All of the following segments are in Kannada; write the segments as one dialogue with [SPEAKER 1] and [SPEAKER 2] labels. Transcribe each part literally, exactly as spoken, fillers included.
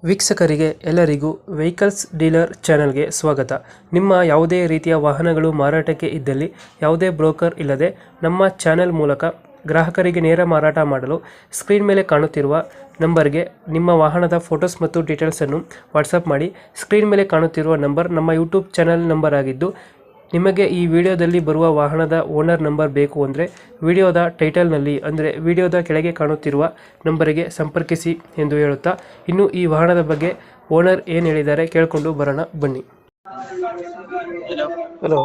[SPEAKER 1] ವೀಕ್ಷಕರಿಗೆ ಎಲ್ಲರಿಗೂ ವೆಹಿಕಲ್ಸ್ ಡೀಲರ್ ಚಾನೆಲ್ಗೆ ಸ್ವಾಗತ. ನಿಮ್ಮ ಯಾವುದೇ ರೀತಿಯ ವಾಹನಗಳು ಮಾರಾಟಕ್ಕೆ ಇದ್ದಲ್ಲಿ ಯಾವುದೇ ಬ್ರೋಕರ್ ಇಲ್ಲದೆ ನಮ್ಮ ಚಾನೆಲ್ ಮೂಲಕ ಗ್ರಾಹಕರಿಗೆ ನೇರ ಮಾರಾಟ ಮಾಡಲು ಸ್ಕ್ರೀನ್ ಮೇಲೆ ಕಾಣುತ್ತಿರುವ ನಂಬರ್ಗೆ ನಿಮ್ಮ ವಾಹನದ ಫೋಟೋಸ್ ಮತ್ತು ಡೀಟೇಲ್ಸನ್ನು ವಾಟ್ಸಪ್ ಮಾಡಿ. ಸ್ಕ್ರೀನ್ ಮೇಲೆ ಕಾಣುತ್ತಿರುವ ನಂಬರ್ ನಮ್ಮ ಯೂಟ್ಯೂಬ್ ಚಾನೆಲ್ ನಂಬರ್ ಆಗಿದ್ದು, ನಿಮಗೆ ಈ ವಿಡಿಯೋದಲ್ಲಿ ಬರುವ ವಾಹನದ ಓನರ್ ನಂಬರ್ ಬೇಕು ಅಂದರೆ ವಿಡಿಯೋದ ಟೈಟಲ್ನಲ್ಲಿ ಅಂದರೆ ವಿಡಿಯೋದ ಕೆಳಗೆ ಕಾಣುತ್ತಿರುವ ನಂಬರಿಗೆ ಸಂಪರ್ಕಿಸಿ ಎಂದು ಹೇಳುತ್ತಾ, ಇನ್ನು ಈ ವಾಹನದ ಬಗ್ಗೆ ಓನರ್ ಏನು ಹೇಳಿದ್ದಾರೆ ಕೇಳಿಕೊಂಡು ಬರೋಣ ಬನ್ನಿ. ಹಲೋ,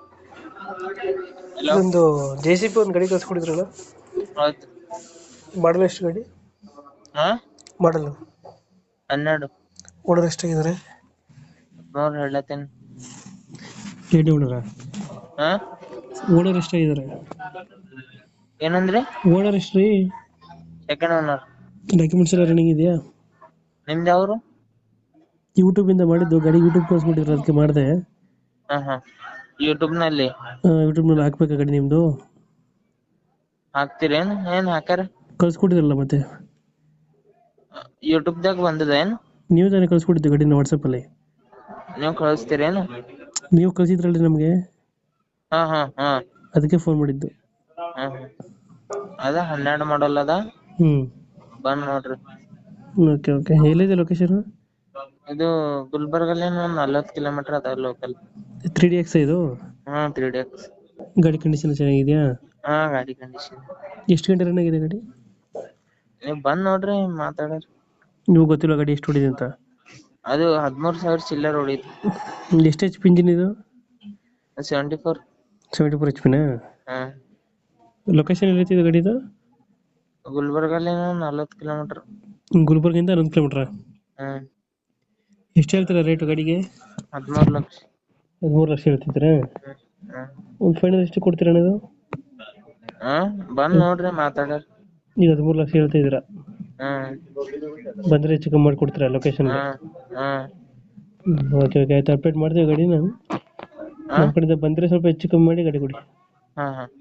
[SPEAKER 1] ಒಂದು ಜೆ ಸಿ ಪಿ ಒಂದು ಗಾಡಿ ಕಳಿಸ್ಕೊಡಿದ್ರಲ್ಲ,
[SPEAKER 2] ಹೌದು.
[SPEAKER 1] ಮಾಡಲ್ ಎಷ್ಟು ಗಾಡಿ?
[SPEAKER 2] ಹಾ
[SPEAKER 1] ಮಾಡಲು
[SPEAKER 2] ಹನ್ನೆರಡು
[SPEAKER 1] ಓನರ್ ಎಷ್ಟಾಗಿದ್ದಾರೆ?
[SPEAKER 2] ನೋಡ್ ಹೇಳತ್ತೇನೆ.
[SPEAKER 1] ಗಾಡಿ ಓನರ
[SPEAKER 2] ಹಾ
[SPEAKER 1] ಓನರ್ ಎಷ್ಟಾಗಿದ್ದಾರೆ?
[SPEAKER 2] ಏನಂದ್ರೆ
[SPEAKER 1] ಓನರ್ ಎಷ್ಟು ರೀ?
[SPEAKER 2] Second owner.
[SPEAKER 1] ಡಾಕ್ಯುಮೆಂಟ್ಸ್ ಎಲ್ಲ ರನ್ನಿಂಗ್ ಇದೆಯಾ?
[SPEAKER 2] ನಿಮ್ದು ಯಾವ್ರು?
[SPEAKER 1] ಯೂಟ್ಯೂಬ್ ಇಂದ ಮಾಡಿದ್ದು ಗಾಡಿ, ಯೂಟ್ಯೂಬ್ ಕಳಿಸ್ಬಿಟ್ಟಿದ್ರು, ಅದಕ್ಕೆ ಮಾಡಿದೆ.
[SPEAKER 2] ಹಾ ಹಾ ಯೂಟ್ಯೂಬ್ ನಲ್ಲಿ
[SPEAKER 1] ಯೂಟ್ಯೂಬ್ ನಲ್ಲಿ ಹಾಕ್ಬೇಕಾ ಗಾಡಿ ನಿಮ್ದು?
[SPEAKER 2] ಹಾಕ್ತಿರೇನ್? ಏನ್ ಹಾಕ್ಯಾರ?
[SPEAKER 1] ಕಳ್ಸ್ಕೊಟ್ಟಿದ್ರಲ್ಲ ಮತ್ತೆ,
[SPEAKER 2] ಯೂಟ್ಯೂಬ್ ದಾಗ ಬಂದದ ಏನ್?
[SPEAKER 1] ನೀವು ತಾನೇ ಕಳ್ಸ್ಕೊಟ್ಟಿದ್ದು ಗಾಡಿನ ವಾಟ್ಸಪ್ ಅಲ್ಲಿ?
[SPEAKER 2] ನೀವು ಕಳಿಸ್ತೀರೇನು?
[SPEAKER 1] ನೀವು ಕಳ್ಸಿದ್ರಲ್ರಿ ನಮ್ಗೆ,
[SPEAKER 2] ಹಾ ಹಾ ಹಾ
[SPEAKER 1] ಅದಕ್ಕೆ ಫೋನ್ ಮಾಡಿದ್ದು.
[SPEAKER 2] ಹಾ ಅದ ಹನ್ನೆರಡು ಮಾಡಲ್ ಅದ,
[SPEAKER 1] ಹ್ಮ್
[SPEAKER 2] ಬಂದ್ ನೋಡ್ರಿ.
[SPEAKER 1] ಓಕೆ ಓಕೆ ಎಲ್ಲಿದೆ ಲೊಕೇಶನ್?
[SPEAKER 2] ಇದು ಗುಲ್ಬರ್ಗಲ್ಲಿ ಒಂದ್ ನಲ್ವತ್ತು ಕಿಲೋಮೀಟರ್ ಅದ ಲೋಕಲ್.
[SPEAKER 1] ತ್ರೀ ಡಿ ಎಕ್ಸ್ ಇದು?
[SPEAKER 2] ಹಾ ತ್ರೀ ಡಿ ಎಕ್ಸ್.
[SPEAKER 1] ಗಾಡಿ ಕಂಡೀಷನ್ ಚೆನ್ನಾಗಿದೆಯಾ?
[SPEAKER 2] ಹಾ ಗಾಡಿ ಕಂಡೀಷನ್.
[SPEAKER 1] ಎಷ್ಟು ಗಂಟೆ ರನ್ ಆಗಿದೆ ಗಾಡಿ?
[SPEAKER 2] ನೀವ್ ಬಂದ್ ನೋಡ್ರಿ, ಮಾತಾಡ್ರಿ.
[SPEAKER 1] ನೀವು ಗೊತ್ತಿಲ್ಲ ಗಾಡಿ ಎಷ್ಟು ಹೊಡಿದೆ ಅಂತ?
[SPEAKER 2] ಅದು ಹದಿಮೂರು ಸಾವಿರ ಚಿಲ್ಲರ್ ಹೊಡಿತು.
[SPEAKER 1] ಎಷ್ಟು ಎಚ್ ಪಿ ಇಂಜಿನ್ ಇದು?
[SPEAKER 2] Seventy four.
[SPEAKER 1] Seventy four H ಪಿನಾ?
[SPEAKER 2] ಹಾ
[SPEAKER 1] ಲೊಕೇಶನ್ ಎಲ್ಲಿದೆ ಗಾಡಿದು?
[SPEAKER 2] ಗುಲ್ಬರ್ಗಲ್ಲಿ ನಲ್ವತ್ತು ಕಿಲೋಮೀಟರ್.
[SPEAKER 1] ಗುಲ್ಬರ್ಗಿಂದ ಹನ್ನೊಂದು ಕಿಲೋಮೀಟರ್.
[SPEAKER 2] ಹ್ಮ್
[SPEAKER 1] ಎಷ್ಟು ಹೇಳ್ತೀರಾ ರೇಟು ಗಾಡಿಗೆ?
[SPEAKER 2] ಹದಿಮೂರು ಲಕ್ಷ.
[SPEAKER 1] ಹದಿಮೂರು ಲಕ್ಷ ಹೇಳ್ತಿದ್ದೀರಾ?
[SPEAKER 2] ಹ್ಮ್
[SPEAKER 1] ಒಂದು ಫೈನಲ್ ಎಷ್ಟು ಕೊಡ್ತೀರಾ ನೀವು?
[SPEAKER 2] ಹಾ ಬಂದ್ ನೋಡ್ರಿ, ಮಾತಾಡ್ರಿ.
[SPEAKER 1] ಈಗ ಹದಿಮೂರು ಲಕ್ಷ ಹೇಳ್ತಾ ಇದ್ದೀರಾ?
[SPEAKER 2] ಹ್ಮ್
[SPEAKER 1] ಬಂದರೆ ಹೆಚ್ಚು ಕಮ್ಮಿ ಮಾಡಿಕೊಡ್ತೀರಾ ಲೊಕೇಶನ್?
[SPEAKER 2] ಹ್ಮ್
[SPEAKER 1] ಓಕೆ ಓಕೆ ಆಯ್ತು, ಅಪ್ಡೇಟ್ ಮಾಡ್ತೀವಿ ಗಾಡಿನ. ನಮ್ಮ ಕಡೆಯಿಂದ ಬಂದರೆ ಸ್ವಲ್ಪ ಹೆಚ್ಚು ಕಮ್ಮಿ ಮಾಡಿ ಗಾಡಿ ಕೊಡಿ.
[SPEAKER 2] ಹಾ ಹಾ